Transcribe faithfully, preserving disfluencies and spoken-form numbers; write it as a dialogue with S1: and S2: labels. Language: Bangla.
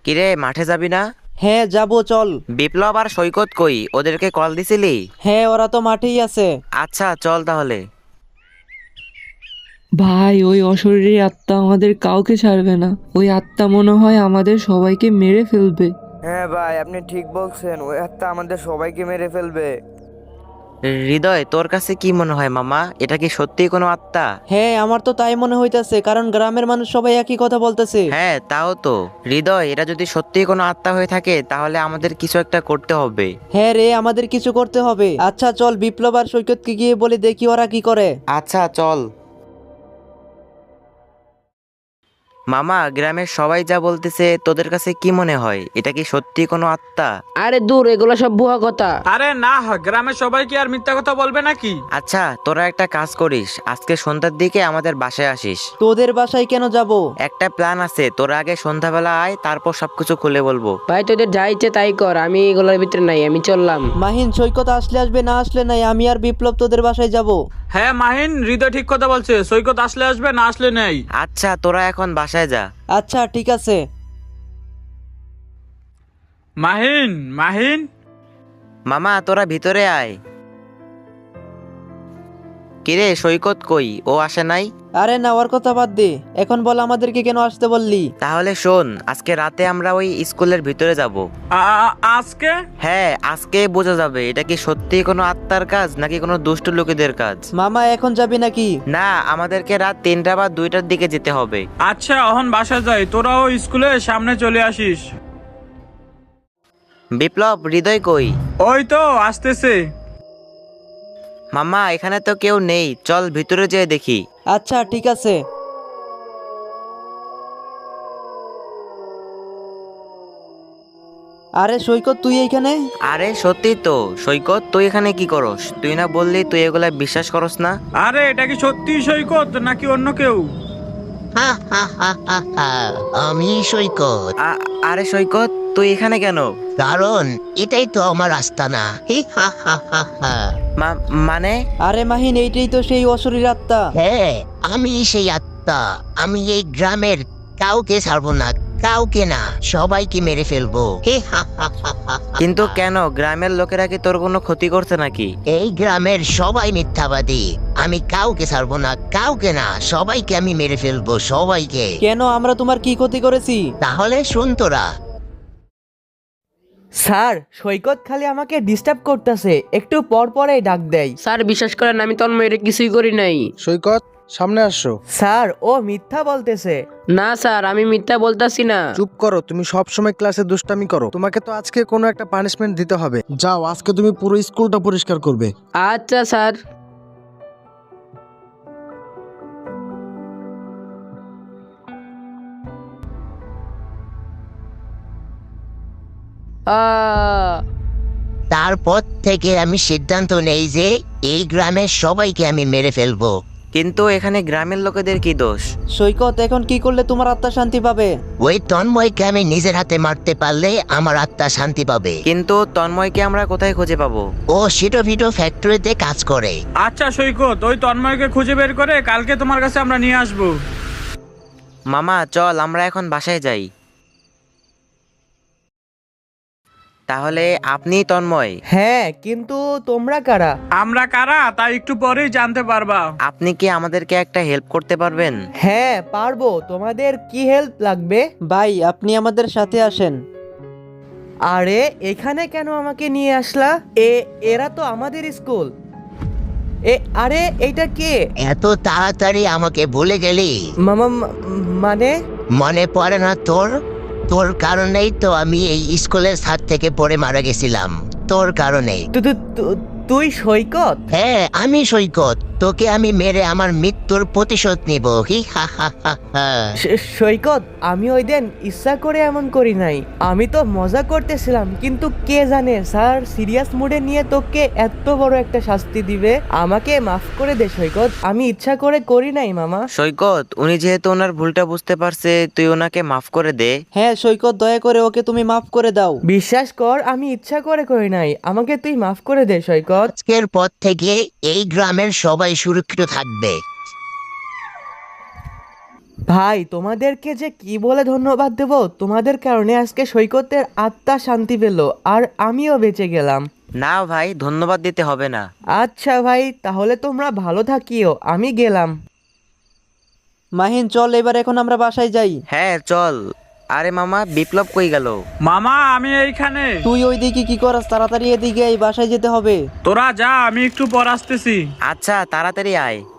S1: কিরে মাঠে যাবি না?
S2: হ্যাঁ যাবো, চল।
S1: বিপ্লব আর সৈকত কই? ওদেরকে কল দিছিলি?
S2: হ্যাঁ, ওরা তো মাঠেই আছে।
S1: আচ্ছা চল তাহলে।
S3: ভাই, ওই অশরীরী আত্মা আমাদের কাউকে ছাড়বে না। ওই আত্মা মনে হয় আমাদের সবাইকে মেরে ফেলবে।
S4: হ্যাঁ ভাই, আপনি ঠিক বলছেন, ওই আত্মা আমাদের সবাইকে মেরে ফেলবে।
S1: হৃদয়, তোর কাছে কি মনে হয় মামা, এটা কি সত্যিই কোনো আত্মা?
S2: হ্যাঁ, আমার তো তাই মনে হইতাছে, কারণ গ্রামের মানুষ সবাই একই কথা বলতেছে।
S1: হ্যাঁ তাও তো। হৃদয়, এটা যদি সত্যিই কোনো আত্মা হয়ে থাকে তাহলে আমাদের কিছু একটা করতে হবে।
S2: হ্যাঁ রে, আমাদের কিছু করতে হবে। আচ্ছা চল, বিপ্লব আর সৈকতকে গিয়ে বলে দেখি ওরা কি করে।
S1: আচ্ছা চল। মামা, গ্রামের সবাই যা বলতেছে, তোদের কাছে কি মনে হয়, এটা কি সত্যি কোনো আত্মা?
S5: আরে দূর, এগুলো সব ভুয়া কথা।
S6: আরে না, গ্রামের সবাই কি আর মিথ্যা কথা বলবে নাকি?
S1: আচ্ছা তোরা একটা কাজ করিস, আজকে সন্ধ্যার দিকে আমাদের বাসায় আসিস।
S2: তোদের বাসায় কেন যাব?
S1: একটা প্ল্যান আছে, তোরা আগে সন্ধ্যাবেলা আয়, তারপর সবকিছু খুলে বলবো।
S5: ভাই তোদের যা ইচ্ছে তাই কর, আমি এগুলোর ভিতরে নাই, আমি চললাম।
S2: মাহিন, সৈকত আসলে আসবে, না আসলে নাই। আমি আর বিপ্লব তোদের বাসায় যাব।
S6: হ্যাঁ মাহিন, হৃদয় ঠিক কথা বলছে, সৈকত আসলে আসবে, না আসলে নেই।
S1: আচ্ছা তোরা এখন বাসায় যা।
S2: আচ্ছা ঠিক আছে।
S6: মাহিন মাহিন
S1: মামা তোরা ভিতরে আয়। কিরে সৈকত কই? ও আসে নাই?
S2: আরে না, ওর কথা বাদ দে। এখন বল, আমাদেরকে কেন আসতে বললি?
S1: তাহলে শোন, আজকে রাতে আমরা ওই স্কুলের ভিতরে যাব।
S6: আ- আ- আজকে?
S1: হ্যাঁ, আজকে বোঝা যাবে এটা কি সত্যি কোনো আত্মার কাজ নাকি কোনো দুষ্ট লোকেদের কাজ।
S2: মামা, এখন যাবি নাকি?
S1: না, আমাদেরকে রাত তিনটা বা দুইটার দিকে যেতে হবে।
S6: আচ্ছা অহন বাসা যাই, তোরাও স্কুলের সামনে চলে আসিস।
S1: বিপ্লব, হৃদয় কই?
S6: ওই তো আসতেছে।
S1: মামা, এখানে তো কেউ নেই, চল ভিতরে যেয়ে দেখি।
S2: আচ্ছা ঠিক আছে। আরে সৈকত, তুই এইখানে?
S1: আরে সত্যি তো সৈকত, তুই এখানে কি করস? তুই না বললি তুই এগুলা বিশ্বাস করস না?
S6: আরে এটা কি সত্যি সৈকত নাকি অন্য কেউ?
S7: হা হা হা হা হা, আমি সৈকত।
S1: আ- আরে সৈকত, তুই এখানে কেন?
S7: কারণ এটাই তো আমার আস্তানা। হি হা হা হা হা।
S1: মা- মানে?
S2: আরে মাহিন, এইটাই তো সেই অশরীর আত্মা।
S7: হ্যাঁ, আমি সেই আত্মা। আমি এই গ্রামের কাউকে ছাড়বো না, কাউকে না, সবাইকে মেরে ফেলবো। হি হা হা হা হা হা।
S1: কিন্তু কেন? গ্রামের লোকেরা কি তোর কোনো ক্ষতি করছে নাকি?
S7: এই গ্রামের সবাই মিথ্যাবাদী। আমি কাউকে ছাড়বো না, কাউকে না, সবাইকে আমি মেরে ফেলবো, সবাইকে।
S2: কেন? আমরা তোমার কি ক্ষতি করেছি?
S7: তাহলে শুন তোরা।
S8: স্যার, সৈকত খালি আমাকে ডিস্টার্ব করতেছে, একটু পর পরেই ডাক দেয়।
S5: স্যার বিশ্বাস করেন, আমি তন্ময়ের কিছুই করি নাই।
S9: সৈকত, সামনে আসো।
S8: স্যার, ও মিথ্যা বলতেছে।
S5: না স্যার, আমি মিথ্যা বলতাছি না।
S9: চুপ করো, তুমি সব সময় ক্লাসে দুষ্টামি করো। তোমাকে তো আজকে কোনো একটা পানিশমেন্ট দিতে হবে। যাও, আজকে তুমি পুরো স্কুলটা পরিষ্কার করবে।
S5: আচ্ছা স্যার। আহ
S7: তারপর থেকে আমি সিদ্ধান্ত নেই যে এই গ্রামের সবাইকে আমি মেরে ফেলবো।
S1: কিন্তু এখানে গ্রামের লোকেদের কি দোষ?
S2: সৈকত, এখন কি করলে তোমার আত্মা শান্তি পাবে?
S7: ওই তন্ময়কে আমি নিজের হাতে মারতে পারলে আমার আত্মা শান্তি পাবে।
S1: কিন্তু তন্ময়কে আমরা কোথায় খুঁজে পাবো?
S7: ও সিটো ভিটো ফ্যাক্টরিতে কাজ করে।
S6: আচ্ছা সৈকত, ওই তন্ময়কে খুঁজে বের করে কালকে তোমার কাছে আমরা নিয়ে আসবো।
S1: মামা চল, আমরা এখন বাসায় যাই। তাহলে আপনি তন্ময়?
S8: হ্যাঁ, কিন্তু তোমরা কারা?
S6: আমরা কারা তা একটু পরেই জানতে পারবা।
S1: আপনি কি আমাদেরকে একটা হেল্প করতে পারবেন?
S8: হ্যাঁ পারবো। তোমাদের কি হেল্প লাগবে?
S2: ভাই, আপনি আমাদের সাথে আসেন।
S8: আরে এখানে কেন আমাকে নিয়ে আসলা? এ এরা তো আমাদের স্কুল। এ আরে এইটা কে?
S7: এত তাড়াতাড়ি আমাকে ভুলে গেলি?
S8: মামা মা- মানে?
S7: মনে পড়ে না তোর? তোর কারণেই তো আমি এই স্কুলের ছাদ থেকে পড়ে মারা গেছিলাম, তোর কারণে।
S8: তু- তু- তু- তুই সৈকত?
S7: হ্যাঁ, আমি সৈকত। তোকে আমি মেরে আমার মৃত্যুর প্রতিশোধ নিব। হি হা হা হা হা।
S8: স- সৈকত, আমি ওই দিন ইচ্ছা করে এমন করি নাই। আমি তো মজা করতেছিলাম, কিন্তু কে জানে স্যার সিরিয়াস মুডে নিয়ে তোকে এত বড় একটা শাস্তি দিবে। আমাকে মাফ করে দে সৈকত, আমি ইচ্ছা করে করি নাই মামা।
S1: সৈকত, উনি যেহেতু ওনার ভুলটা বুঝতে পারছে, তুই ওনাকে মাফ করে দে।
S2: হ্যাঁ সৈকত, দয়া করে ওকে তুমি মাফ করে দাও।
S8: বিশ্বাস কর, আমি ইচ্ছা করে করি নাই, আমাকে তুই মাফ করে দে সৈকত।
S7: আজকের পর থেকে এই গ্রামের সবাই সুরক্ষিত থাকবে।
S8: ভাই তোমাদেরকে যে কি বলে ধন্যবাদ দেব, তোমাদের কারণে আজকে সৈকতের আত্মা শান্তি পেল আর আমিও বেঁচে গেলাম।
S1: না ভাই, ধন্যবাদ দিতে হবে না।
S8: আচ্ছা ভাই, তাহলে তোমরা ভালো থাকিও, আমি গেলাম।
S2: মাহিন চল এবার এখন আমরা বাসায় যাই।
S1: হ্যাঁ চল। আরে মামা, বিপ্লব কই গেল?
S6: মামা আমি এইখানে।
S2: তুই ওইদিকে কি করাস? তাড়াতাড়ি এদিকে এই বাসায় যেতে হবে।
S6: তোরা যা, আমি একটু পর আসতেছি।
S1: আচ্ছা তাড়াতাড়ি আয়।